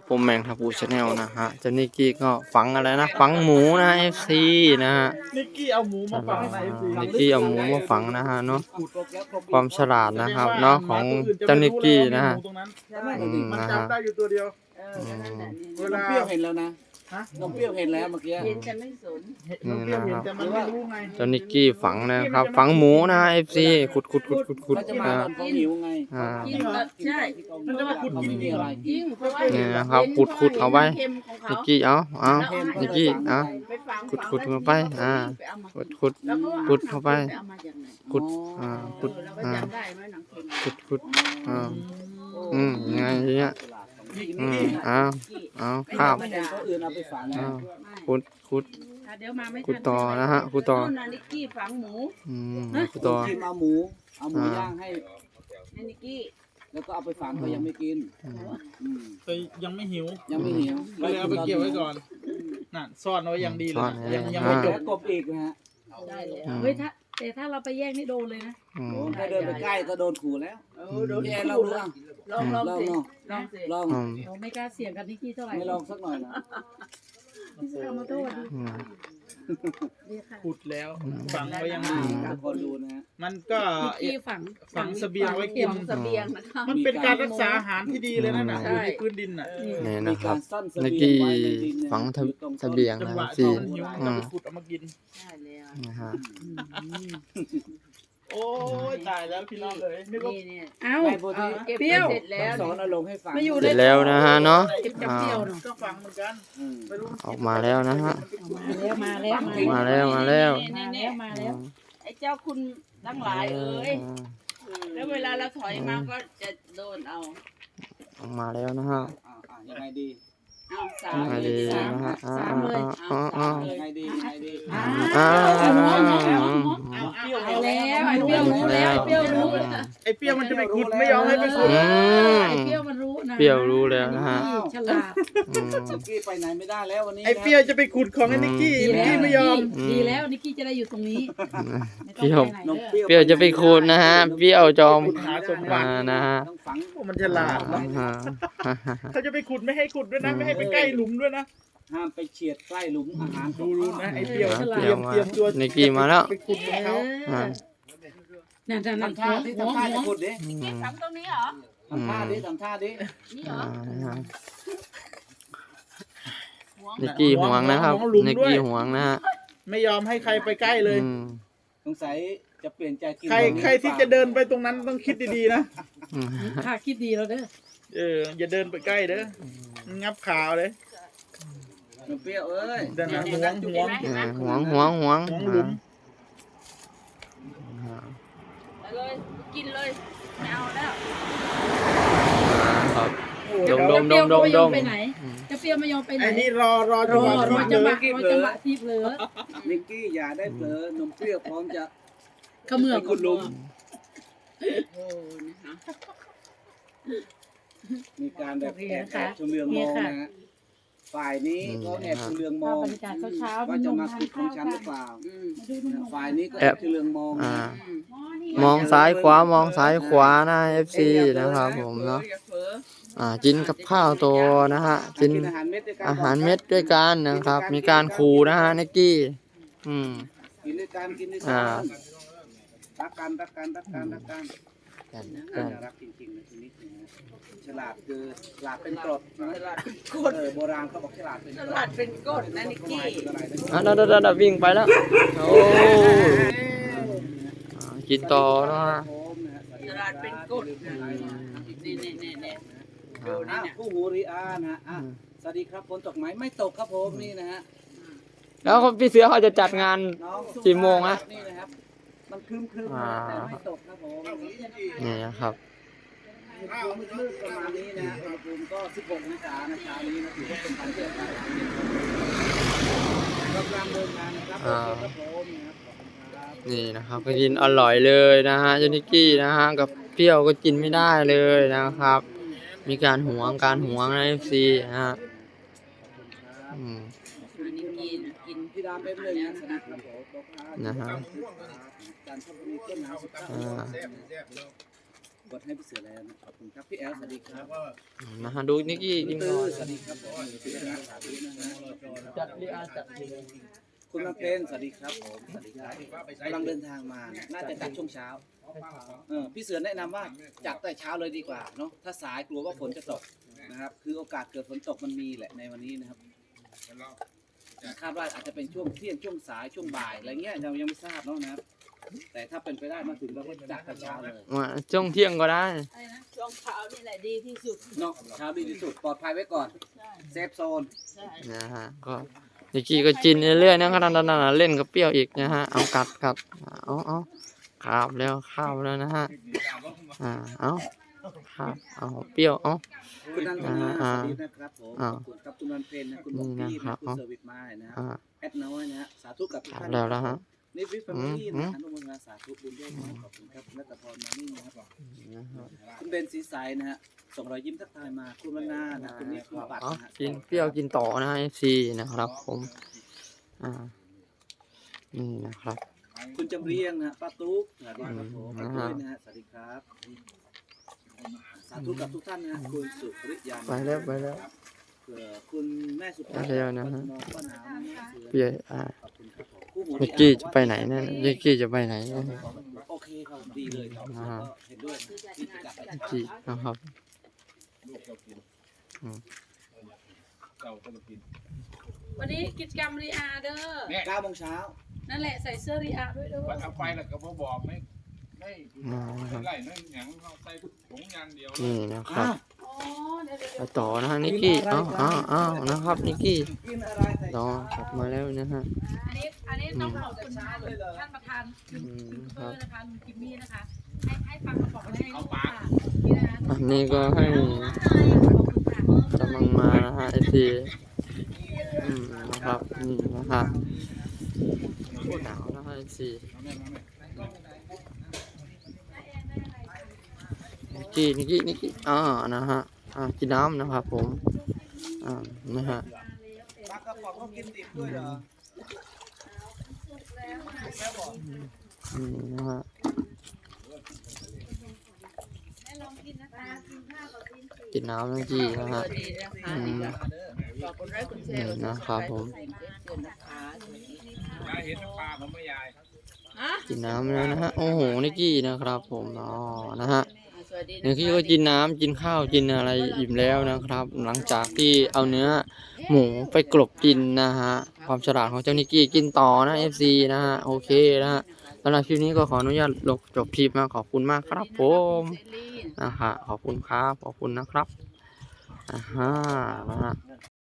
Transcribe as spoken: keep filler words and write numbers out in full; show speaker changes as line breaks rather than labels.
ผมแมงทับูชาแนลนะฮะเจ้านิกกี้ก็ฝังอะไรนะฝังหมูนะเอฟซีนะฮะ
นิกกี้เอาหมูมาฝังในเอฟซี
นิกกี้เอาหมูมาฝังนะฮะเนาะความฉลาดนะครับเนาะของเจ้านิกกี้นะฮะ
มัน
นะฮะ
จำได้อยู่ตัวเดียว
เออแค่นั้นแหละนี่
เว
น้
ลา
องเปรี้ยวเห็นแล้วนะ
ฮะ
น้องเปรี้ยวเห็นแล้วเมื่อกี้
เห็นแต่ไม่สน
น้องเปรี้ยวเห็นแต่มันไม่รู้ไง
เจ้านิกกี้ฝังนะครับ ฝังหมูนะเอฟซีขุดขุดขุดขุดขุด
เขาจะมา
นะ
ตอนเขาหิวไง
อ่า
กินแบบใช่
มันจะมาขุดกินมีอะไร
จริงเพราะว่า
เนี่ยนะครับขุดขุดเอาไว้
เค็มของเขา
นิกกี้เอาเอานิกกี้เอา
ไปฝัง
ขุดขุดเข้าไปอ่า
ไปเอามา
ขุดขุด
แล้วก็
ขุดเข้าไป
เอามาจากไหน
ขุดอ่าขุด
เราก็
อ่า
จำได้ไหมหนังเค็ม
ขุดขุดอ่าอืมยังไงทีเนี้ยอืมเอาเอาข้าว
ไม่เห็นเขาอื่นเอาไปฝัง
เอาขุดขุด
อ่ะเดี๋ยวมาไม่ทัน
ขุดต่อนะฮะขุดต่อ
นู่นน่ะนิกกี้ฝังหมู
อืมขุดต่อ
กินเอาหมูเอาหมูย่างให้
ให้นิกกี้
แล้วก็เอาไปฝังเขายังไม่กิน
อืม
อืม
แต่ยังไม่หิว
ยังไม่หิว
ก็เลยเอาไปเก็บไว้ก่อนน่ะซ่อนไว้อย่างดีเลยยังยัง
ไม่
ไม่
จ
จ
บบ กบอีกนะฮะ
ได้เลยเฮ้ยถ้าแต่ถ้าเราไปแย่งนี่โดนเลยนะ
อืม
โอ้ถ้าเดินไปใกล้ก็โดนขู่แล้ว
เออโดน
พี่แอนลองดูอ่ะ
ลองลอง
ลอง
สิ
เนาะ
ลองสิ
ลอง
อืม
เราไม่กล้าเสี่ยงกับนิกกี้เท่าไหร่
ไม่ลองสักหน่อยนะ
พี่สาวมาโทษดิ
อืม
ดีค่ะ
ขุดแล้วฝังไว้อย่างดี
ทุกคนดูนะฮะ
มันก็
นิกกี้ฝัง
ฝังเสบียงไว้กิน
ฝังเสบียงนะคะ
มันเป็นการรักษาอาหารที่ดีเลยนั่นน่ะอยู่ในพื้นดินน่ะ
นี่
มี
นะค
กา
รับ
รซ่อนเส
นิก
บียง
กี้
ไว้ในดินนะ
ฝังทะ
อยู่ตรงต้น
เสบียง
จัง
นะ
หวะ
สี่
ที่มันหิวมันก็ไปขุดเอามากิน
ใช่แล้ว
นะฮะ
โอ้ยตายแล้วพี่น้องเลยนึกว่า
นี่เนี่ย
เอ้า
ไม่พอดี
เก็บ
เปรี้ยว
เสร็จแล้ว
สอนเอาลงให้ฟัง
มาอยู่
เสร็จแล้วนะฮะเนาะ
เก็บจับ
อ่า
เปรี้ยวเนาะ
ก็ฟังเหมือนกัน
อืม
ไม่รู้
ออกมาแล้วนะฮะ
มาแล้วมาแล้ว
มาแล้วมาแล้ว
นี่นี่
มาแล้ว
ไอ้เจ้าคุณทั้งหลายเอ้ยแล้วเวลาเราถอยมาก็จะโดนเอา
ออกมาแล้วนะฮะ
อ่าอ่ายังไงดี
เอาสา
ยั
ม
งไง
เล
ดี
ยสาม
นะฮะอ่า
สามเลย
อ่าอ่า
ยังไงดียังไงดี
อ่า
อ่า
เอาเอาเอาเอา
เอาแล้วไอ้เปรี้ยวรู้แล้วไอ้เปรี้ยวรู้
ไอ้เปรี้ยวมันจะไปขุดไม่ยอมให้ไปขุด
อืม
ไอ้เปรี้ยวมันรู้นะ
เปรี้ยวรู้แล้วนะฮะ
ฉลาด
อืม
นิกกี้ไปไหนไม่ได้แล้ววันนี้
ไอ้เปรี้ยวจะไปขุดของไอ้นิกกี้นิกกี้ไม่ยอม
ดีแล้วนิกกี้จะได้อยู่ตรงนี้ไม่
เปรี้ยว
ต้องไปไหน
น้อง
เด้อ
เปรี้ยว
เปรี้ยวจะไปคูณนะฮะเปรี้ยวจอม
ขุดหาสมบั
อ่า
ติ
นะฮะ
ต้องฝัง
โอ้มันฉลาด
อ่า
นะ
ฮะ
เขาจะไปขุดไม่ให้ขุดด้วยนะไม่ให้ไปใกล้หลุมด้วยนะ
ห้ามไปเฉียดใกล้หลุมอาหาร
ดูรู้นะไอ้เปรี้ยว
อ่า
เตรียม
เปรี้
เตรี
ย
ยว มตัว
นิกกี้มาแล้ว
ไปขุดของเขา
อ่า
นั่นนั่นนั่น
ทำท่าดิ
หัว
ทำท่า
หั
จะ
ว
ขุดดิ
อืม
ฝังตรงนี้เหรอ
ทำท่าดิทำท่าดิ
นี่เหร
อ่า
อ
นะฮะ
หัว
นิกกี้ห่วงนะครับนิกกี้ห่วงนะฮะ
ไม่ยอมให้ใครไปใกล้เลย
อืม
สงสัยจะเปลี่ยนใจกิน
ใครใครที่จะเดินไปตรงนั้นต้องคิดดีๆนะ
อืม
ข้าคิดดีแล้วเด้อ
เอออย่าเดินไปใกล้เด้องับขาเลย
น้องเปรี้ยวเอ้ย
เดินหาห่วงห่วง
อ่าห่วงห่วงห่วง
ห่วงหลุม
อ่า
ไปเลยกินเลยไม่เอาแล้ว
ครับ
โอ้
ด
เดี๋ยว
มดม
เปรี้ยวก็ไม่ยอม
ดม
ไปไหนจะเปรี้ยวไม่ยอมไปไหน
ไอ้นี่รอรอ
ร
จัง
อ
หวะ
รอ
ที่
จังห
เดิ
วะ
น
รอจังหวะที่เผลอ
นิกกี้อย่าได้เผลอน้องเปรี้ยวพร้อมจะ
เขมือบ
ไปขุดหลุม
โอ้นะคะ
มีการแบบแอบแอบชมเลืองมองนะฮะฝ่ายนี้ก็แอบชมเลืองม
ภา
อ
พ
ง
บรรยากาศเช้าๆ
ว่า
มีน
จะ
ม
มา
ทา
ขุ
น
ดของ
ข้าว
ฉันหรือ
กัน
เปล่า
อืม
มาดูนม
ฝ่ายนี้ก็แอบชมเลืองมอง
อ่า
อืม
มองซ้ายขวามองซ้ายขวานะ เอฟ ซี นะครับผมเนาะ
อย่าเผลอ
อ่ากินกับข้าวโตนะฮะกิน
อาหารเม็ดด้วยกัน
อาหารเม็ดด้วยกันนะครับ มีการขู่นะฮะนิกกี้อืม
กินด้วยกันกินด้วย
อ่า
กันรักกันรักกันรักกันรักกัน
กัน
น่า
กัน
จะรักจริงๆนะทีนี้นะฉลาดคือฉลาดเป็นกรดนะ
ฉลาดเป็นก
เอ
ด
อโบราณเขาบอกฉลาดเป็น
ฉ
กร
ลา
ด
ดเป็นกดนะนิกกี้
อะไรนะ
อ่ะเดาดาวิ่งไปแล้วโอ้อ่ากินต่อนะฮะ
โอมนะฮะ
ฉลาดเป็นกดนะนี่นี่นี่นี่ดูนี่
อ่ะ
เนี่ย
ผู้หูริอานะฮะอ่ะสวัสดีครับฝนตกไหมไม่ตกครับผมนี่นะฮะ
แล้วพี่เสือเขาจะจัดงาน
น้องสุ
กี่โมงอะ
นี่นะครับมันครึ้มครึ้ม
อ่า
แต่ไม่ตกครับผม
นี่นะครับ
อุณหภูมิมืดๆประมาณนี้นะฮะอุณหภูมิก็สิบหกองศานะเช้านี้นะถือว่าเป็นวันที่อากาศเย็นกำลังเดินทางนะครับโอเคครับผมนะครับขอบคุณครับ
นี่นะครับก็กินอร่อยเลยนะฮะเจนิกกี้นะฮะกับเปรี้ยวก็กินไม่ได้เลยนะครับ มีการหวงการหวงในเอฟซีนะฮะอืม
นิกกี้นะกิน
พี่ดามเป็นหนึ่งนะสวัสดีครับผม
นะฮะ
จันทบุรีต้นหนาวสุดยอด
อ่า
กดให้พี่เสือแล้วนะขอบคุณครับพี่แอลสวัสดีครับ
นะฮะดูนิกกี้กิน
ตื้
ก่
อ
อน
สวัสดีครับผมพี่แอลสวัสดีนะฮะ
จัดลีอาจัด
คุณมาเพนสวัสดีครับผมสวัสดีครับกำลังเดินทางมาน่าจะจัดช่วงเช้าเออพี่เสือแนะนำว่าจัดแต่เช้าเลยดีกว่าเนาะถ้าสายกลัวว่าฝนจะตกนะครับคือโอกาสเกิดฝนตกมันมีแหละในวันนี้นะครับคาดว่าอาจจะเป็นช่วงเที่ยงช่วงสายช่วงบ่ายอะไรเงี้ยเรายังไม่ทราบเนาะนะครับแต่ถ้าเป็นไปได้มาถึงเราก็จัดแต่เช้าเลย
มาช่วงเที่ยงก็ได้
อะไรนะช่วงเช้านี่แหละดีที่สุด
เนาะเช้าดีที่สุดปลอดภัยไว้ก่อน
ใช่
เซฟโซน
ใช่
นะฮะก็นิกกี้ก็กินเรื่อยๆนะขนาดนั้นเล่นกับเปรี้ยวอีกนะฮะเอากัดกัดเอาเอาคาบแล้วข้าวแล้วนะฮะอ่าเอาคาบเอาเปรี้ยวเอา
คุณนันทนา
อ่า
สวัสดีนะครับผมข
อ่า
อบคุณครับคุณนันเพนนะคุณบอก
นี่
พี่
นะครั
นะ
บ
คุณเซอร์วิสมานะค
อ่า
รับแอดน้อยนะฮะสาธุกับทุก
คาบ
ท่าน
แล้วแล้วฮะ
นี่ฟิฟแฟมิลี่
อื
นะ
ม
อนุโมทนาสาธุบุญด้วยนะขอบคุณครับนัตพรมานี่นะครับ
นะฮะ
คุณเบนสีใสนะฮะส่งรอยยิ้มทักทายมาคุณวรรณานะคุณนิคุณบัตร
เอา
นะฮะ
กินเปรี้ยวกินต่อนะฮะเอฟซีนะครับผมอ่านี่นะครับ
คุณจำเรียงนะฮะป้าตุ๊กสวัสดีครับผม
อื
ป้าม ด้วยนะฮะสวัสดีครับสาธุกับทุกท่านนะฮะคุณสุริยา
ไปแล้วไปแล้ว
เผื่อคุณแม่สุภาพ
ไปแล้วนะฮะ
มองป้าหนาวนะฮะเสือ
เปรี้ยวอ่า
ขอบคุณครับผมคู่หู
นิกกี้จะไปไหนเนี่ยนิกกี้จะไปไหนเนี่ย
โอเคครับดีเลยครับ
อ่า
ก็เห็นด้วยนะที่จะจัดไป
นิกกี้นะครับ
วันนี้กิจกรรมรีอาเด้อ
เก้าโมงเช้า
นั่นแหละใส่เสื้อรีอาด้วยเด้อ
วันเอาไปแล้วก็บ่บอกไม่ไม่
อ่านะครับ
ไล่นั่นหยังเอาใส่ถุงยางเดียว
นี่นะครับ
อ๋อเดี๋ยวเดี๋ยว
ไปต่อนะฮะนิกกี้เอาเอาเอานะครับนิกกี้
กินอะไรแต่
รอ
เช้าก
ลับมาแล้วนะฮะ
อันนี้อันนี้ต้องขอบคุณท่านท่านประธาน
อืม
เพื่
ครั
อบ นะคะลุงจิมมี่นะคะ ให้ให้ฟังกระป๋องให้ลูกค่ะนี่นะคะ
อันนี้ก็ให้
ขอบคุณค่ะ
กำลังมานะฮะไอซีอืมนะครับนี่นะฮะโคตรหนาวนะฮะไอซีนิกกี้นิกกี้นิกกี้อ่านะฮะอ่ากินน้ำนะครับผมอ่านะฮะ
ปลากระป๋องก็กินดิบด้วยเหรอ
อืมนะฮะ กินน้ำนิกกี้นะฮะ
ดีนะคะ
อืม
ขอบคุณไลค์คุณแช
นี่
ร์
นะครับผม
เตือนนะคะสวัสดีค่ะ
ยายเห็นน้ำปลาผมไม่ยาย
ฮะ
กินน้ำแล้วนะฮะโอ้โหนิกกี้นะครับผมอ๋อนะฮะ
สวัสดี
นิกกี้ก็กินน้ำกินข้าวกินอะไรอิ่มแล้วนะครับ หลังจากที่เอาเนื้อหมูไปกลบกินนะฮะความฉลาดของเจ้านิกกี้กินต่อนะ เอฟ ซี นะฮะโอเคนะฮะสำหรับคลิปนี้ก็ขออนุญาตลบจบคลิปนะขอบคุณมากครับผมนะฮะขอบคุณครับขอบคุณนะครับอ่าฮะนะฮะ